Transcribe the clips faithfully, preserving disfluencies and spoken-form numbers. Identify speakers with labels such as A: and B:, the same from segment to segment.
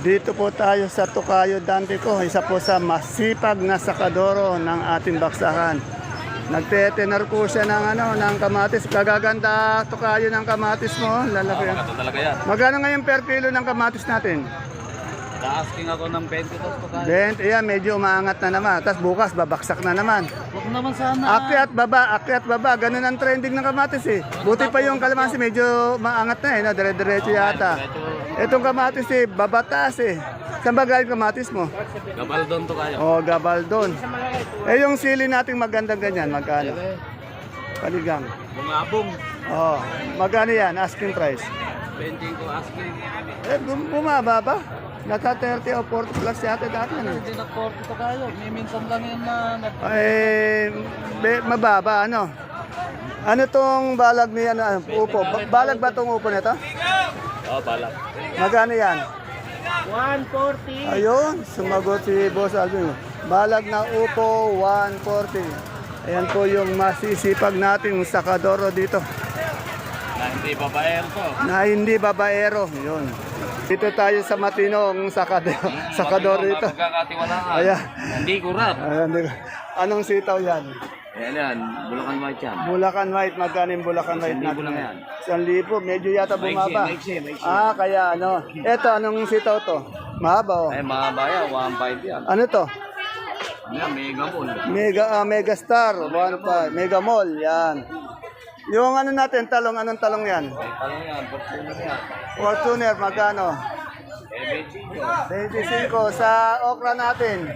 A: Dito po tayo sa Tokayo Dante ko, isa po sa masipag na sakadoro ng ating baksakan. Nagtetenar po siya ng ano, ng kamatis. Kagaganda Tokayo ng kamatis mo, lalaki yan.
B: Ito talaga yan.
A: Magkano ngayon per kilo ng kamatis natin?
B: Asking ako ng twenty to to kaya.
A: twenty, yan, medyo umaangat na naman. Tapos bukas, babaksak na naman.
B: Huwag naman sana.
A: Akyat baba, akyat baba. Ganun ang trending ng kamatis eh. Buti pa yung kalamansi, medyo maangat na eh. No? Dire-diretso yata. Itong kamatis eh, babataas eh. Saan ba galing kamatis mo?
B: Gabaldon to kaya.
A: O, Gabaldon. Eh, yung sili nating magandang ganyan, magkano? Paligang.
B: Bungabong.
A: Oh, magkano yan? Asking price.
B: twenty ko asking.
A: Eh, bum- bumaba ba? Nasa thirty o forty plus yata dati. Ano?
B: Hindi na forty to kaya. May minsan lang yan na nag...
A: Eh, be- mababa, ano? Ano tong balag ni ano, ano, upo? Ba- balag ba tong upo nito?
B: Oo, balak.
A: Magkano yan?
B: one forty.
A: Ayun, sumagot si Boss Alvin. Balag na upo, one forty. Ayan po yung masisipag nating sakadoro dito.
B: Na hindi babaero to.
A: Na hindi babaero. Yun. Dito tayo sa matinong sakadoro, sakadoro dito.
B: Magkakatiwalaan.
A: Ayan.
B: Hindi kurat.
A: Ayan, di- anong sitaw yan?
B: Ayan yan. Bulacan White yan.
A: Bulacan White, magkano yung Bulacan White
B: Isang libo
A: natin?
B: lang yan.
A: Isang libo, medyo yata bumaba.
B: Maiksi, maiksi, maiksi.
A: Ah, kaya ano. Eto, anong sitaw to? Mahaba oh.
B: Ay, mahaba yan. one five yan.
A: Ano to?
B: Yan, mega ball.
A: Mega, ah, Mega Star, one five, Mega Mall, yan. Yung ano natin, talong, anong talong yan?
B: Ano yan? Fortuner yan.
A: Fortuner, magkano?
B: Eh,
A: twenty-five sa okra natin.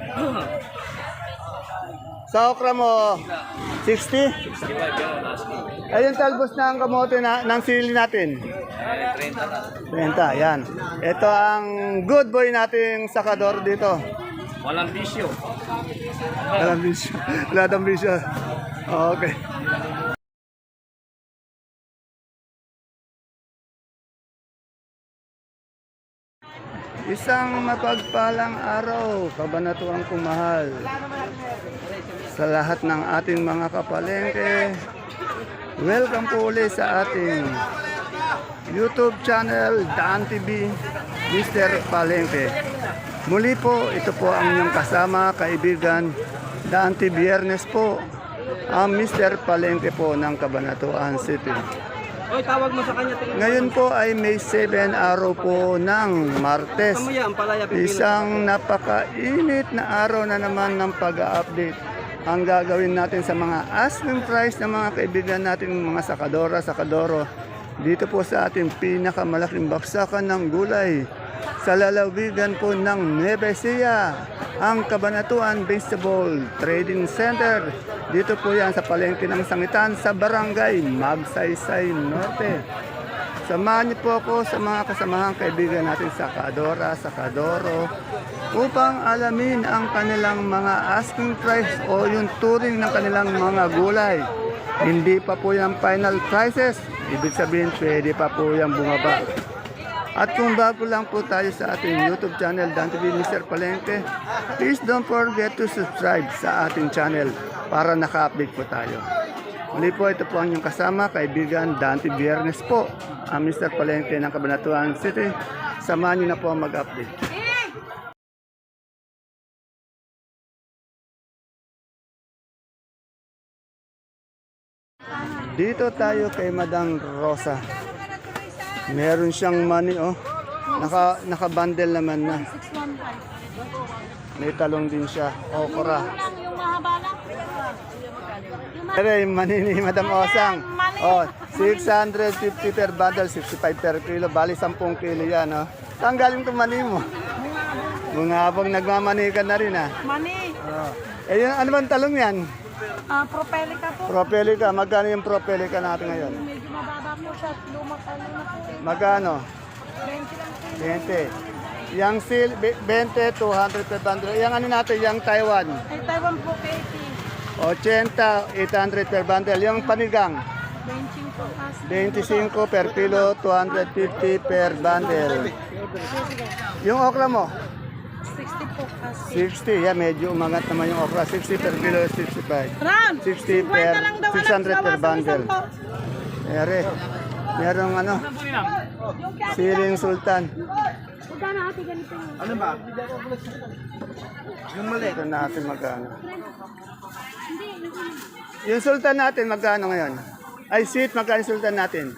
A: Sa okra mo, sixty?
B: sixty-five yan. Asking.
A: Ayun, talbos na ang kamote na, ng sili natin.
B: Eh, thirty na.
A: Renta, yan. Ito ang good boy nating sakador dito.
B: Walang bisyo.
A: Walang bisyo. Wala ng bisyo. Okay. Isang mapagpalang araw, kabanatuang kumahal. Sa lahat ng ating mga kapalengke, welcome po ulit sa ating YouTube channel, Dan T V, Mister Palengke. Muli po, ito po ang inyong kasama, kaibigan, Dan T Biyernes po, ang Mister Palengke po ng Cabanatuan City.
B: Oy, tawag mo sa kanya.
A: Ngayon po ay May seven, araw po ng Martes.
B: yan, palaya.
A: Isang napakainit na araw na naman ng pag-update. Ang gagawin natin sa mga asking price ng mga kaibigan natin, mga sakadora, sakadoro, dito po sa ating pinakamalaking baksakan ng gulay sa lalawigan po ng Nueva Ecija, ang Cabanatuan Vegetable Trading Center. Dito po yan sa palengke ng Sangitan sa Barangay Magsaysay Norte. Samahan niyo po ako sa mga kasamahang kaibigan natin sa Kadora, sa Kadoro upang alamin ang kanilang mga asking price o yung turing ng kanilang mga gulay. Hindi pa po yung final prices, ibig sabihin pwede pa po yung bumaba. At kung bago lang po tayo sa ating YouTube channel, Dan T V Mister Palengke, please don't forget to subscribe sa ating channel para naka-update po tayo. Muli po, ito po ang inyong kasama, kaibigan Dan T Biyernes po, ang Mister Palengke ng Cabanatuan City. Samahan niyo na po ang mag-update. Dito tayo kay Madam Rosa. Meron siyang money, oh. Naka, naka-bundle naman na. May talong din siya. Okra.
C: Yung mahaba lang.
A: Pero yung money ni Madam Osang. Oh, six hundred fifty per bundle, sixty-five per kilo. Bali, ten kilo yan, oh. Saan galing itong money mo? Mga habang nagmamani ka na rin, ah.
C: Mani.
A: Oh. Eh, yun, ano bang talong yan?
C: Ah, propelica po.
A: Propelica. Magkano yung propelica natin ngayon?
C: Medyo mababa po siya. Lumak ano na po.
A: Magkano?
C: twenty lang po.
A: twenty. Yang sil, twenty, two hundred per bundle. Yang ano natin, yang Taiwan.
C: Ay, Taiwan po, eighty.
A: eighty, eight hundred per bundle. Yung panigang,
C: twenty po. As.
A: twenty-five per kilo, two hundred fifty per bundle. Yung okra mo,
C: sixty po. As.
A: sixty. Yeah, medyo umangat naman yung okra. sixty per kilo, sixty-five.
C: Ram!
A: sixty
C: fifty
A: per,
C: lang daw,
A: six hundred per
C: anak, bawasan
A: bundle.
C: isang po.
A: Ere, merong ano, Siling Sultan.
C: Magkano ate ganito yun?
B: Ano ba? Yung mali.
A: Ito natin magkano. Yung Sultan natin, magkano ngayon? Ay, sweet, magkano yung Sultan natin?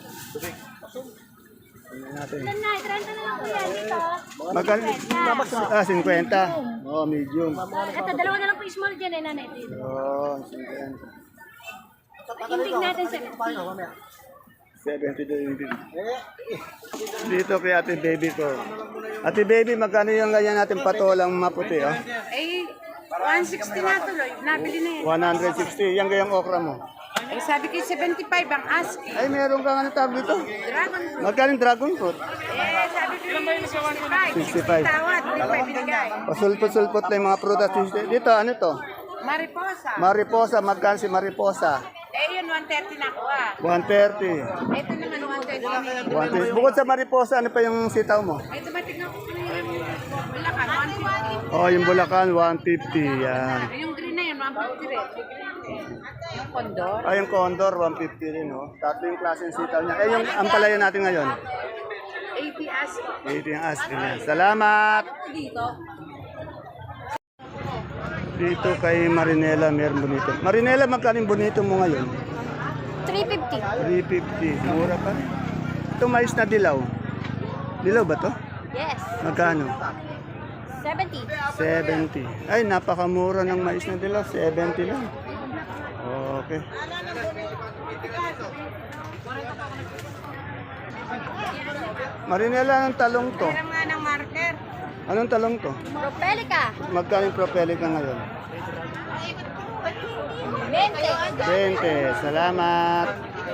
A: Tingnan natin.
C: Ilan na? trenta na lang po yan dito.
A: Magkano? Ah, fifty. Oh, medium.
C: Ito, dalawa na lang po small dyan eh, nanay.
A: Oh, fifty.
C: Indig natin sa
A: seventy daw yung big. Dito kay ate baby ko. Ate baby, magkano yung ganyan natin patolang maputi, oh?
C: Eh, one sixty na tuloy. Nabili na yan.
A: one sixty. Yan gayang okra mo.
C: Eh, sabi ko seventy-five ang ask.
A: Ay, meron kang ano tawag dito?
C: Dragon fruit.
A: Magkano yung dragon fruit?
C: Eh, sabi ko sixty-five.
A: sixty-five.
C: Tawad, hindi pa ibinigay.
A: Pasulpot-sulpot lang yung mga prutas. Dito, ano to?
C: Mariposa.
A: Mariposa, magkano si Mariposa?
C: Eh, yun, one thirty na ako ah.
A: one thirty.
C: Ito naman, one twenty.
A: one thirty. Bukod sa Mariposa, ano pa yung sitaw mo?
C: Ay, dumating ako sa Bulacan, one fifty.
A: Oh, yung Bulacan, one fifty. Yan.
C: Yung green na yun, one fifty rin. Yung condor.
A: Ay, yung Condor, one fifty rin, oh. Tatlo yung klase ng sitaw niya. Eh, yung ampalaya natin ngayon.
C: eighty ask.
A: eighty yung asking niya. Salamat!
C: Dito.
A: Dito kay Marinela, meron bonito. Marinela, magkano yung bonito mo ngayon?
C: three fifty.
A: three fifty. Mura pa rin. Ito mais na dilaw. Dilaw ba to?
C: Yes.
A: Magkano?
C: seventy.
A: seventy. Ay, napakamura ng mais na dilaw. seventy lang. Okay. Marinela, anong talong to?
C: Meron nga ng marker.
A: Anong talong to?
C: Propelica.
A: Magkano yung propelica ngayon?
C: twenty.
A: twenty. Salamat.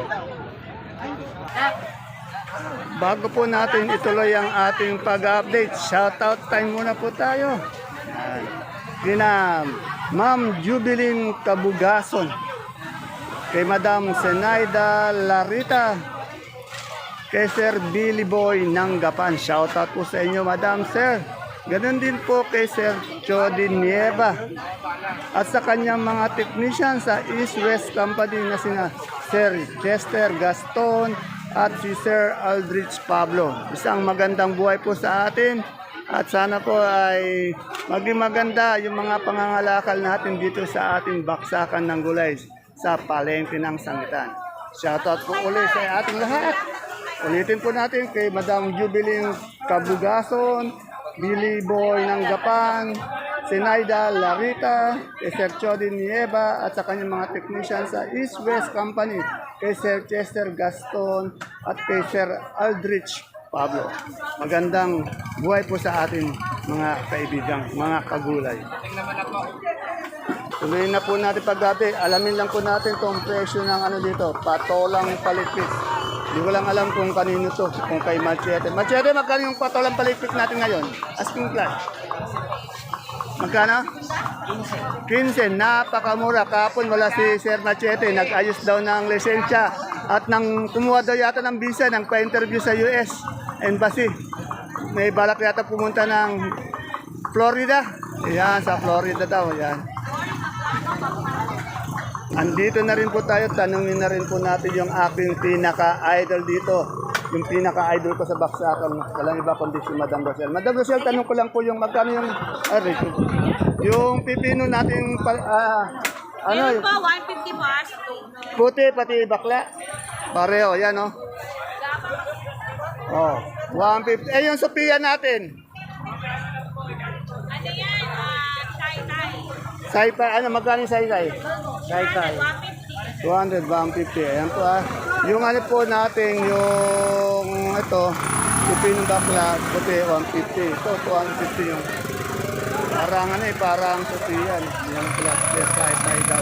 A: Bago po natin ituloy ang ating pag-update, shoutout time muna po tayo. Yan. Kina Ma'am Jubilin Kabugason, kay Madam Senaida Larita, kay Sir Billy Boy Nanggapan. Shoutout po sa inyo, Madam Sir. Ganon din po kay Sir Jody Nieva at sa kanyang mga technician sa East West Company na sina Sir Chester Gaston at si Sir Aldrich Pablo. Isang magandang buhay po sa atin at sana po ay maging maganda yung mga pangangalakal natin dito sa ating baksakan ng gulay sa palengke ng sangitan. Shoutout po ulit sa ating lahat. Ulitin po natin kay Madam Jubilin Kabugason, Billy Boy ng Gapan, Senaida Larita, kay Sir Chody Nieva at sa kanyang mga technician sa East West Company, kay Sir Chester Gaston at kay Sir Aldrich Pablo. Magandang buhay po sa atin mga kaibigan, mga kagulay. Tuloy na po natin paggabi. Alamin lang po natin itong presyo ng ano dito, patolang palikpik. Hindi ko lang alam kung kanino to, kung kay Machete. Machete, magkano yung patolang palikpik natin ngayon? Asking class. Magkano? quince. Napakamura. Kapon wala si Sir Machete. Nag-ayos daw ng lisensya. At nang kumuha daw yata ng visa, nang pa-interview sa U S Embassy. May balak yata pumunta ng Florida. Ayan, sa Florida daw. Ayan. Andito na rin po tayo. Tanungin na rin po natin yung aking pinaka-idol dito. Yung pinaka-idol ko sa baksakan. Walang iba kundi si Madam Rosel. Madam Rosel, tanong ko lang po yung magkano yung... Ah, Rachel. Yung pipino natin... Uh, ano?
C: Meron po, one fifty po ask.
A: Puti, pati bakla. Pareho, yan oh. Oh, one fifty. Eh, yung Sophia natin.
C: Ano yan? Uh, Chai-Tai.
A: Sai-Pai, ano, magkano yung Sai-Pai? Sai-Pai.
C: one fifty.
A: two hundred, one fifty. Ayan po ah. Yung ano po natin, yung ito, pipino bakla, puti, one fifty. Ito, two hundred fifty yung parang ano eh, parang Sophia. Yan pala, yes, Sai-Pai daw.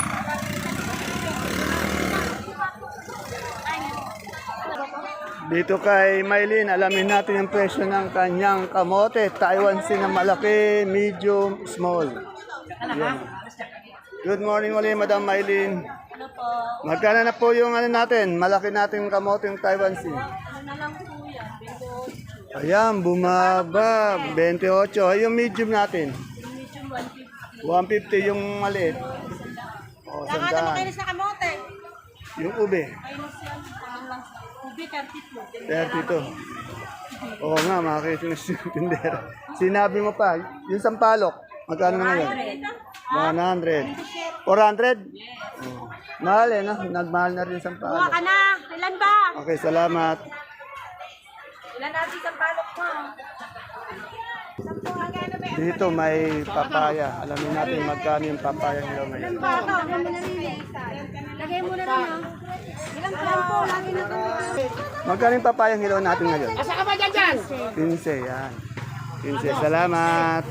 A: Dito kay Maylin, alamin natin yung presyo ng kanyang kamote. Taiwan Sea na malaki, medium, small. Yan. Good morning ulit, Madam Maylin.
C: Ano po?
A: Magkano na po yung ano natin, malaki natin kamote yung Taiwan Sea?
C: Ano na lang po yan? twenty-eight.
A: Ayan, bumaba, twenty-eight. Ay, yung medium natin,
C: Yung medium one fifty.
A: one fifty yung maliit. O,
C: Saka naman
A: sandaan.
C: kayo sa kamote.
A: Yung ube,
C: Minus yan. Ano lang sa Ubi, thirty-two.
A: thirty-two. Oo nga, makakita na si tindera. Sinabi mo pa, yung sampalok, magkano na ngayon? one hundred. four hundred? Oh. Mahal eh, no? Nagmahal na rin
C: Kuha
A: sampalok.
C: ka na. Ilan ba?
A: Okay, salamat.
C: Ilan natin sa palok mo?
A: Dito may papaya. Alamin natin magkano yung papaya nila ngayon.
C: Ilan ba ito? Lagay mo na rin eh. Lagay mo na rin ah. Ilan ilan po? Lagi na ito.
A: Magkano yung papaya hilaw natin ngayon?
C: Asa ka ba dyan dyan?
A: quince, yan. quince, salamat.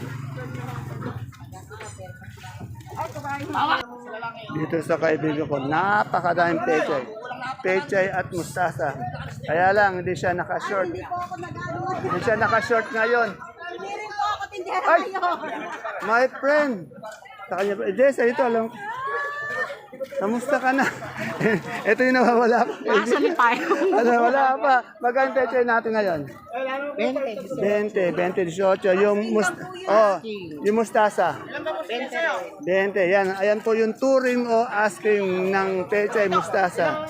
A: Dito sa kaibigan ko, napakadaming pechay. Pechay at mustasa. Kaya lang, hindi siya naka-short. Hindi siya naka-short ngayon. Ay! My friend! Sa kanya pa. Jess, ito, alam ko. Kamusta ka na? Ito yung nawawala ko.
C: Nakasalit tayo.
A: Ano, wala pa. Magkano pechay natin ngayon? twenty, twenty, eighteen. Yung, must oh, yung mustasa. twenty. Yan. Ayan po yung touring o asking ng pechay mustasa.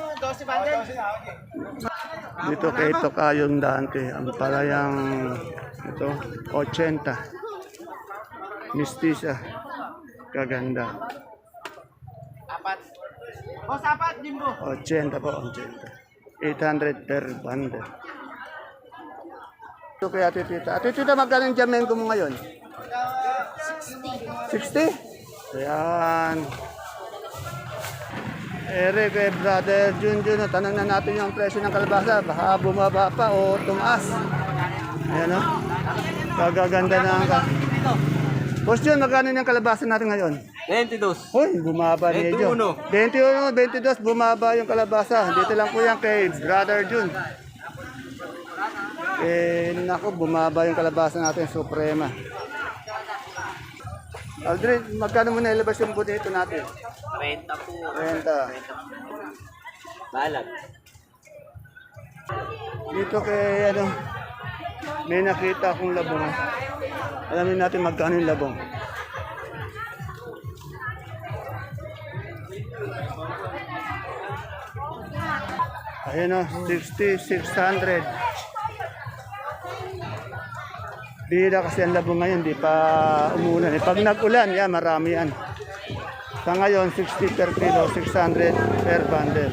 A: Dito kay Tokayong Dante. Ang palayang ito, eighty. Mistisa. Kaganda. eighty po, eighty. eight hundred per bundle. Ito kay Ate Tita. Ate Tita, magkano yung Jamengo mo ngayon? sixty. Ayan. Ere kay Brother Junjun, tanong na natin yung presyo ng kalabasa. Baka bumaba pa o tumaas. Ayan o. Kagaganda na ang ka. Boss Jun, magkano yung kalabasa natin ngayon?
B: twenty-two.
A: Hoy, bumaba medyo. twenty-one, twenty-two, bumaba yung kalabasa. Dito lang po yan kay Brother Jun. Eh, naku, bumaba yung kalabasa natin, Suprema. Aldrin, magkano mo na ilabas yung bonito natin?
B: thirty po.
A: Renta.
B: Balag.
A: Dito kay, ano, may nakita akong labong. Alamin natin magkano yung labong. Ayun o, sixty, six hundred. Bira kasi ang labong ngayon, di pa umulan. Eh, pag nag-ulan, yan, marami yan. Sa ngayon, sixty per kilo, six hundred per bundle.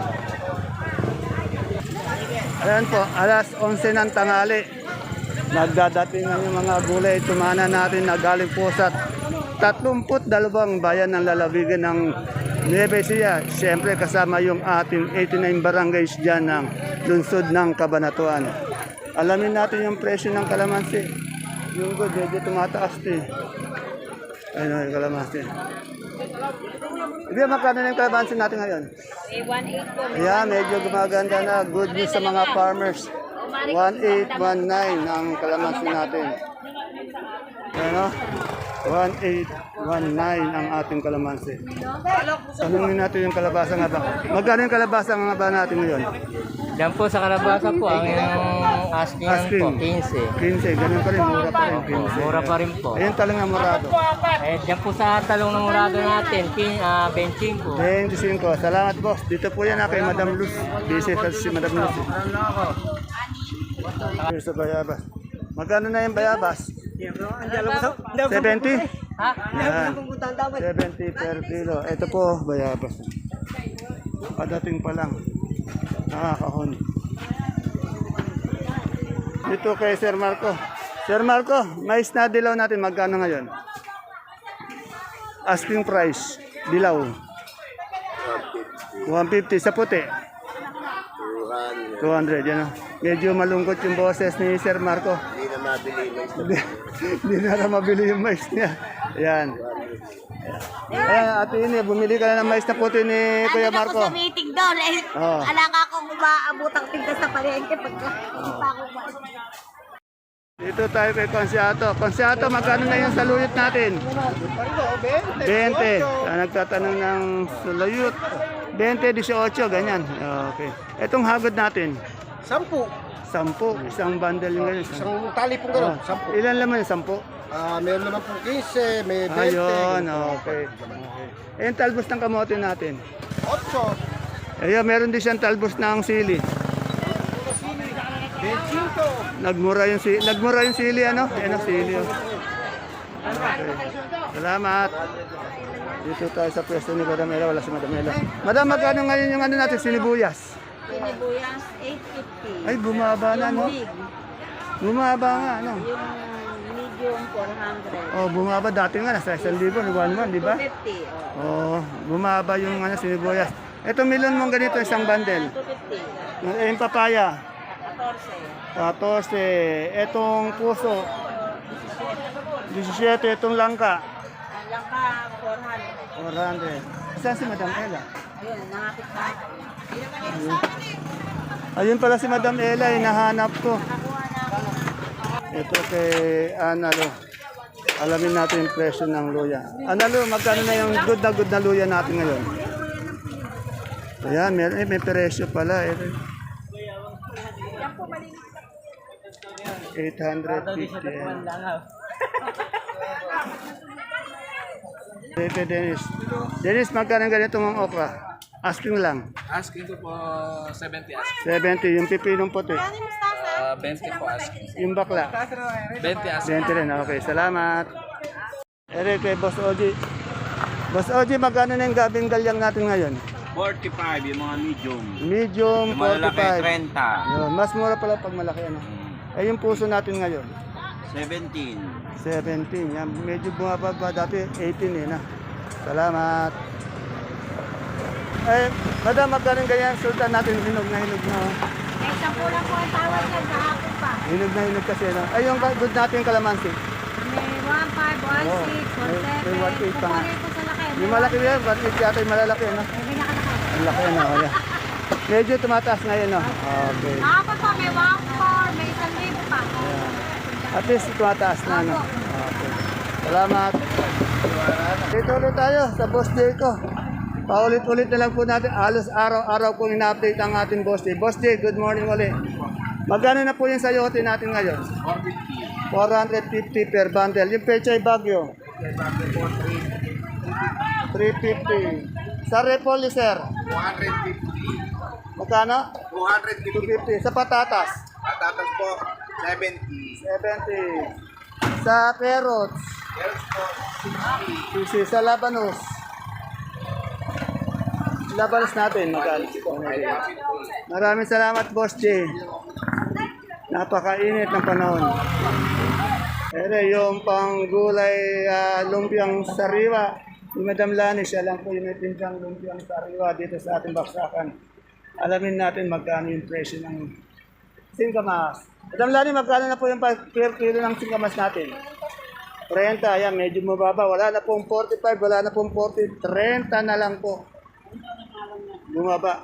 A: Ayan po, alas onse ng tanghali. Nagdadating na yung mga gulay. Tumana natin na galing po sa tatlumput dalawang bayan ng lalawigan ng Nueva Ecija. Siyempre kasama yung ating eighty-nine barangays dyan ng lungsod ng Cabanatuan. Alamin natin yung presyo ng kalamansi. Yung good, medyo tumataas ito eh. Ayun o, yung kalamansi. Hindi, magkano na yung kalamansi natin ngayon?
C: Eh, one eight po.
A: Ayan, medyo gumaganda na. Good news sa mga farmers. one eight one nine ang kalamansi natin. Ayan o. one eight one nine ang ating kalamansi. Tanungin natin yung kalabasa nga ba. Magkano yung kalabasa nga ba natin ngayon?
B: Diyan po sa kalabasa po, ang yung asking,
A: Asking.
B: po, quince.
A: quince, ganun pa rin. Mura pa rin. quince.
B: Mura pa rin po.
A: Ayan talaga morado.
B: Eh, diyan po sa talong ng murado natin, pin, uh, benching po.
A: twenty-five. Salamat boss. Dito po yan ha, kay Madam Luz. Busy kasi si Madam Luz. Eh. Here's sa bayabas. Magkano na yung bayabas? seventy?
B: Ha?
A: Yan. seventy per kilo. Ito po, bayabas. Padating pa lang. Nakakahon. Dito kay Sir Marco. Sir Marco, mais na dilaw natin. Magkano ngayon? Asking price. Dilaw. one fifty sa puti. two hundred. Yan o. Medyo malungkot yung boses ni Sir Marco.
B: Hindi na mabili yung
A: Hindi na rin mabili yung mais niya. Ayan. Ayan, ate ini, bumili ka na ng mais na puti ni Kuya Marco.
C: Ano sa meeting doon? Eh,
A: Oo.
C: alaka akong umaabot ang tinta sa palengke pagka hindi pa ako ba.
A: Dito tayo kay Consiato. Consiato, magkano na yung saluyot natin? twenty. Ah, nagtatanong ng saluyot. twenty, eighteen, ganyan. Okay. Etong hagod natin?
D: Sampu.
A: Sampu. Isang bundle yung ganyan.
D: Isang tali pong gano'n.
A: Ah,
D: Sampu.
A: ilan laman yung sampu?
D: Ah, meron naman pong quince, may twenty.
A: Ayun, okay. okay. Eh, yung talbos ng kamote natin.
D: Otso.
A: Ayun, meron din siyang talbos ng sili. Nagmura yung si nagmura yung sili ano? Ano sili. Oh. Okay. Salamat. Dito tayo sa pwesto ni Madam Ella, wala si Madam Ella. Madam, magkano ngayon yung ano natin, sinibuyas?
C: Sinibuyas, eight fifty.
A: Ay, bumaba na, no?
C: Big,
A: Bumaba nga, ano?
C: yung medium, four hundred.
A: Oh, bumaba dati nga, nasa isang libo, one one, di ba?
C: two fifty, oh.
A: Oh, bumaba yung ano, sinibuyas. Ito, milon mong ganito, isang bundle.
C: two fifty,
A: Eh, yung papaya,
C: fourteen.
A: fourteen. Etong puso, seventeen. Itong langka,
C: Ang langka, four hundred.
A: four hundred. Saan si Madam Ella?
C: Ayun, nakapit na.
A: Ayun pala si Madam Ella, hinahanap ko.
C: Nakakuha na ako.
A: Ito kay Analo. Alamin natin yung presyo ng luya. Analo, magkano na yung good na good na luya natin ngayon? Ayan, may, eh, may presyo pala. Eh. eight fifty. Pepe Dennis. Dennis, magkano ganito ng okra? Asking lang.
E: Asking ko po seventy asking.
A: seventy. Yung pipinong puti.
E: Uh, twenty po asking.
A: Yung bakla.
E: twenty asking.
A: twenty rin. Okay, salamat. Ere kay Boss Oji. Boss Oji, magkano na yung gabing galyang natin ngayon?
F: forty-five yung mga medium.
A: Medium,
F: Yung malalaki,
A: forty-five.
F: thirty.
A: Yun, mas mura pala pag malaki ano. Eh yung puso natin ngayon,
F: seventeen.
A: seventeen. Yan, medyo bumababa dati, eighteen eh na. Salamat. Eh, madam, magkano ganyan sultan natin, hinog na hinog na. Oh.
C: Eh, sampu lang po ang tawad yan kahapon pa.
A: Hinog na hinog kasi. No? Ay, yung good natin yung kalamansi.
C: May one five, one
A: Oo,
C: six, one
A: may- may
C: seven.
A: one eight pa nga.
C: Kukunin ko sa laki.
A: Yung malaki yan, but it yata yung malalaki. No?
C: May binakalaki.
A: Ang laki na. Oh, yeah. Medyo tumataas ngayon. No? Okay.
C: Kahapon pa, may one four, may isang libo pa.
A: At least tumataas na. No? Okay. Salamat. Dito ulit tayo sa boss day ko. Paulit-ulit na lang po natin. Alos araw-araw po ina-update ang ating boss day. Boss day, good morning ulit. Magkano na po yung sayote natin ngayon? four fifty per bundle. Yung pechay bagyo? three fifty. Sa repoli, sir?
D: one fifty.
A: Magkano?
D: two
A: two fifty. Sa patatas?
D: Patatas po, seventy.
A: seventy. Sa carrots? sixty. Sa labanos? Labanos natin, magkano? Maraming salamat, Boss J. Napakainit ng panahon. Pero yung panggulay uh, lumpiang sariwa, ni Madam Lani, siya lang po yung may tindang lumpiang sariwa dito sa ating baksakan. Alamin natin magkano yung presyo ng singkamas. Madam Lani, magkano na po yung per kilo ng singkamas natin? thirty, ayan, medyo mababa. Wala na pong forty-five, wala na pong forty, thirty na lang po. Bumaba.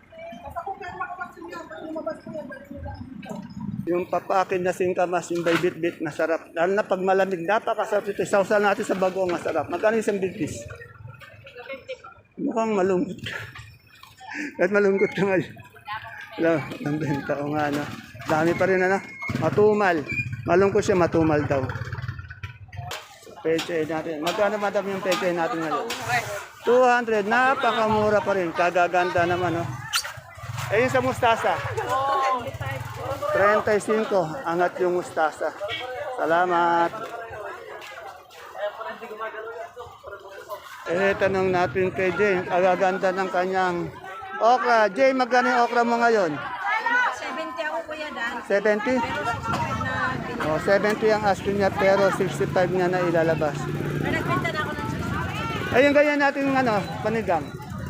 A: Yung papakin na singkamas, yung by bit-bit, masarap. Lalo na pag malamig, napakasarap ito. Sausaw natin sa bagong masarap. Magkano isang bit-bis? Mukhang malungkot ka. Kahit malungkot ka ngayon. Wala, ang benta ko nga, no? Dami pa rin, ano? Matumal. Malungkot siya, matumal daw. Peche natin. Magkano madam yung peche natin ngayon? two hundred. Napakamura pa rin. Kagaganda naman, no? Eh, yung sa mustasa? thirty-five. Angat yung mustasa. Salamat. Eh, tanong natin kay Jay. Kagaganda ng kanyang okra. Jay, magkano yung okra mo ngayon?
C: seventy ako, Kuya Dan.
A: seventy? Oh, seventy ang asking niya pero sixty-five niya na ilalabas.
C: May nagbenta na ako ng susunod.
A: Ayun, ganyan natin ano, panigang.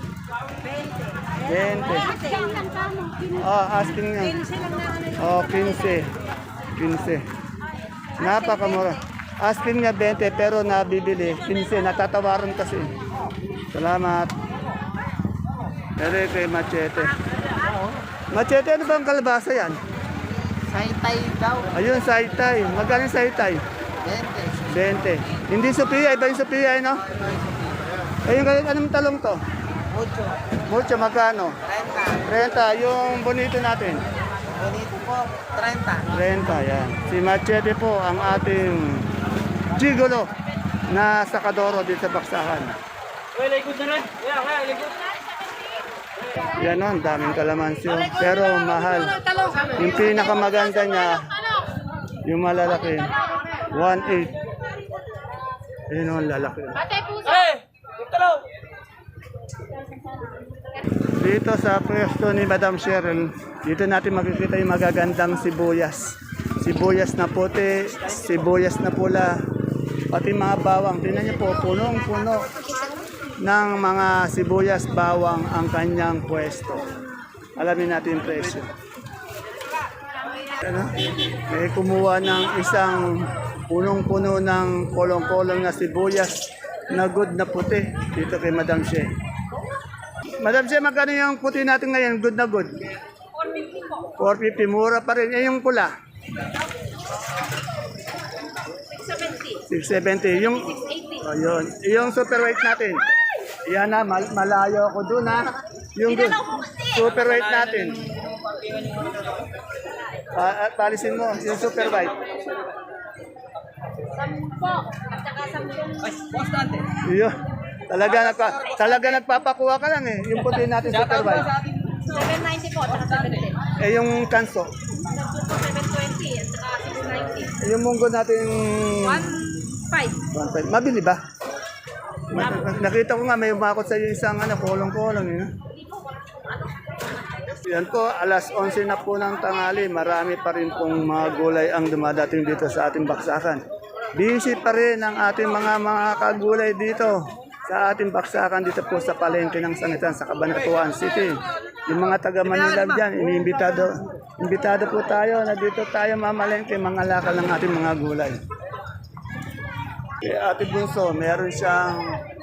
A: twenty. Oh, asking niya. Oh, fifteen. fifteen. Napakamura. Asking niya twenty pero nabibili. fifteen. Natatawaran kasi. Salamat. Pero kay Machete. Machete, ano bang kalabasa yan?
B: Saitay daw.
A: Ayun, saitay. Magkano yung saitay? twenty. Hindi Sophia, iba yung Sophia, eh, no? Ayun, ganyan, anong talong to?
B: Mucho.
A: Mucho, magkano?
B: thirty.
A: thirty. Yung bonito natin?
B: Bonito po, thirty.
A: thirty, yan. Si Machete po ang ating gigolo na sakadoro dito sa Baksakan.
B: Uy, likod na rin. Yeah, yeah, likod.
A: Yan o, ang daming kalamansi. oh. Pero mahal. Yung pinakamaganda niya, yung malalaki, one eight. Ayun o, ang lalaki. Dito sa pwesto ni Madam Cheryl, dito natin makikita yung magagandang sibuyas. Sibuyas na puti, sibuyas na pula, pati mga bawang. Tingnan niyo po, punong-puno ng mga sibuyas bawang ang kanyang pwesto. Alamin natin yung presyo. Ano? May kumuha ng isang punong-puno ng kolong-kolong na sibuyas na good na puti dito kay Madam Che. Madam Che, magkano yung puti natin ngayon? Good na good? four fifty. Mura pa rin. Eh, yung pula? six seventy. Yung, oh, yun. Yung super weight natin? Yan na, mal malayo ako dun ha. Yung good. Super weight natin. Ah, at palisin mo, yung super weight. Iyo. Talaga nagpa talaga nagpapakuha ka lang eh. Yung puti natin super white.
C: seven ninety po, tsaka seven ten.
A: Eh yung kanso.
C: seven twenty at saka six ninety.
A: Eh, yung munggo natin
C: one five.
A: one five. Mabili ba? Ma- Nakita ko nga may umakot sa isang ano, kolong-kolong eh. Yan po, alas onse na po ng tanghali. Marami pa rin pong mga gulay ang dumadating dito sa ating baksakan. Busy pa rin ang ating mga mga kagulay dito sa ating baksakan dito po sa palengke ng Sangitan sa Cabanatuan City. Yung mga taga Manila dyan, iniimbitado, imbitado po tayo na dito tayo mamalengke, mga lakal ng ating mga gulay. Kay Ate Bunso, meron siyang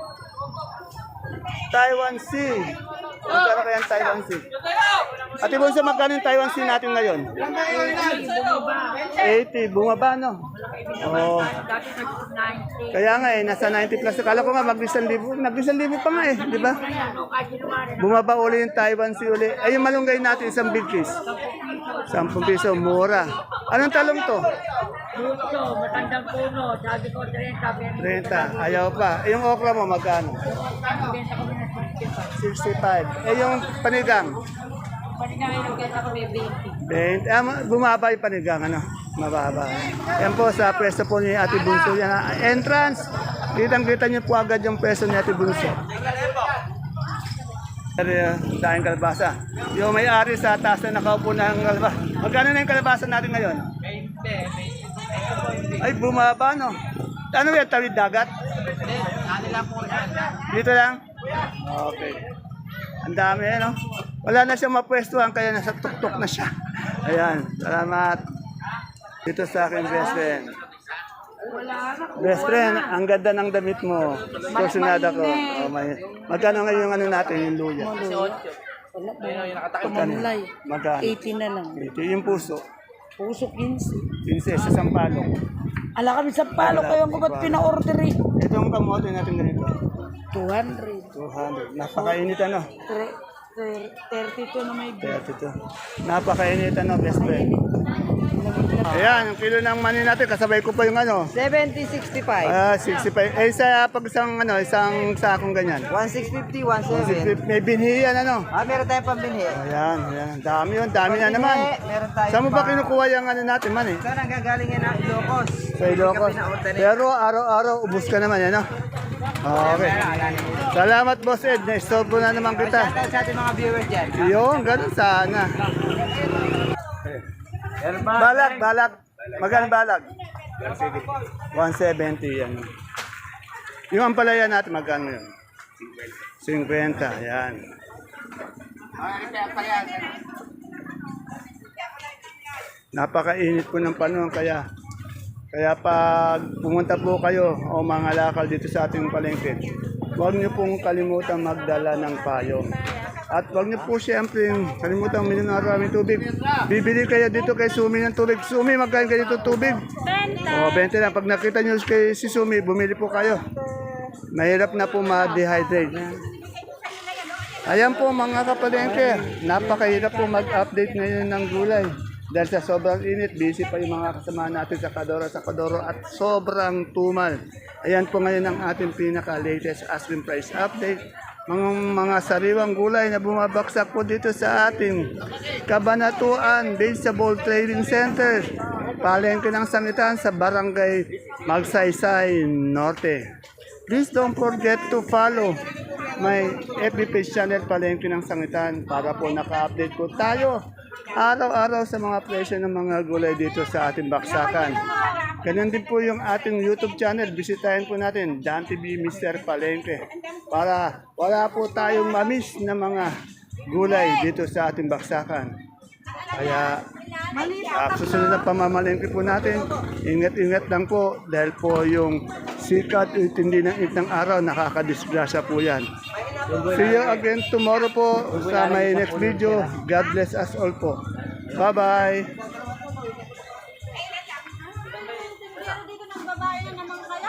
A: Taiwan Sea. Magkano kaya ang Taiwan Sea? Ate Bunso, magkano yung Taiwan Sea natin ngayon? eighty. Bumaba, no? Oo. Kaya nga eh, nasa ninety plus. Kala ko nga mag-isang libo. Nag-isang libo pa nga eh, di ba? Bumaba uli yung Taiwan Sea uli. Ay, yung malunggay natin, isang big piece. Sampung piso, mura. Anong talong to?
B: Puso, matandang puno, sabi ko thirty.
A: thirty. Ayaw pa. Eh, yung okra mo, magkano?
B: Benta ko na
A: sixty-five. Eh, yung panigang?
B: Panigang benta ko may twenty.
A: twenty. Ah, ma- bumaba yung panigang, ano? Mababa. Yan po sa pwesto po ni Ate Bunso. Yan, ah, entrance. Kitang-kita niyo po agad yung pwesto ni Ate Bunso. Dahil kalabasa. Yung may-ari sa taas na nakaupo na ang kalabasa. Magkano na yung kalabasa natin ngayon? Ay, bumaba, no? Ano yan? Tawid dagat? Dito lang? Okay. Ang dami, eh, no? Wala na siyang mapwestuhan, kaya nasa tuktok na siya. Ayan, salamat. Dito sa akin, best friend. Best friend, ang ganda ng damit mo. Susunada ko. Oh, may, magkano ngayon yung ano natin, yung luya? Magkano? Magkano?
G: eighty na lang.
A: eighty. Yung puso.
G: Puso quince.
A: Pinse sa sampalok.
G: Ala kami sa palo kayo ang kubat pina-order eh.
A: Ito yung kamote natin ganito.
G: two hundred.
A: two hundred. Napakainit ano?
G: thirty-two na may bill.
A: thirty-two. Napakainit ano, best friend. Ayan, yung kilo ng mani natin, kasabay ko pa yung ano.
G: seventy, sixty-five.
A: Ah, sixty-five. Eh, sa pag isang, ano, isang sakong ganyan.
G: sixteen fifty, seventeen.
A: May binhiyan ano.
G: Ah, meron tayong pambinhi.
A: Ayan, ayan. Dami yun, dami na naman.
G: Meron tayong
A: Saan mo ba kinukuha yung ano natin man eh?
G: Saan ang gagaling yan ang Ilocos?
A: Sa Ilocos. Pero araw-araw, ubus ka naman, ano? Okay. Salamat, Boss Ed. Na-stop na naman kita.
G: Shoutout sa ating mga viewers dyan.
A: Yun, ganun sana. Balag, balag. Magkano balag? one seventy yan. Yung ampalaya natin, magkano yun? fifty, yan. Napakainit po ng panahon, kaya kaya pag pumunta po kayo o mga lakal dito sa ating palengke, huwag niyo pong kalimutan magdala ng payong. At huwag niyo po siyempre kalimutan uminom ng maraming tubig. Bibili kayo dito kay Sumi ng tubig. Sumi, magkain kayo dito tubig? O, twenty lang. Pag nakita niyo kay si Sumi, bumili po kayo. Mahirap na po ma-dehydrate. Ayan po mga kapalengke, napakahirap po mag-update ngayon ng gulay. Dahil sa sobrang init, busy pa yung mga kasama natin sa Kadoro, sa Kadoro at sobrang tumal. Ayan po ngayon ang ating pinaka-latest asking price update mga, mga sariwang gulay na bumabaksak po dito sa ating Kabanatuan Vegetable Trading Center. Palengke ng sangitan sa Barangay Magsaysay Norte. Please don't forget to follow my F B page channel Palengke ng Sangitan para po naka-update po tayo araw-araw sa mga presyo ng mga gulay dito sa ating baksakan. Ganyan din po yung ating YouTube channel. Bisitahin po natin, Dan T V Mister Palengke. Para wala po tayong mamiss na mga gulay dito sa ating baksakan. Kaya uh, susunod na pamamalengke po natin, ingat-ingat lang po dahil po yung sikat at tindi ng init ng araw, nakakadisgrasya po yan. See you again tomorrow po sa my next video. God bless us all po. Bye-bye!
C: Dito ng babae na naman kaya.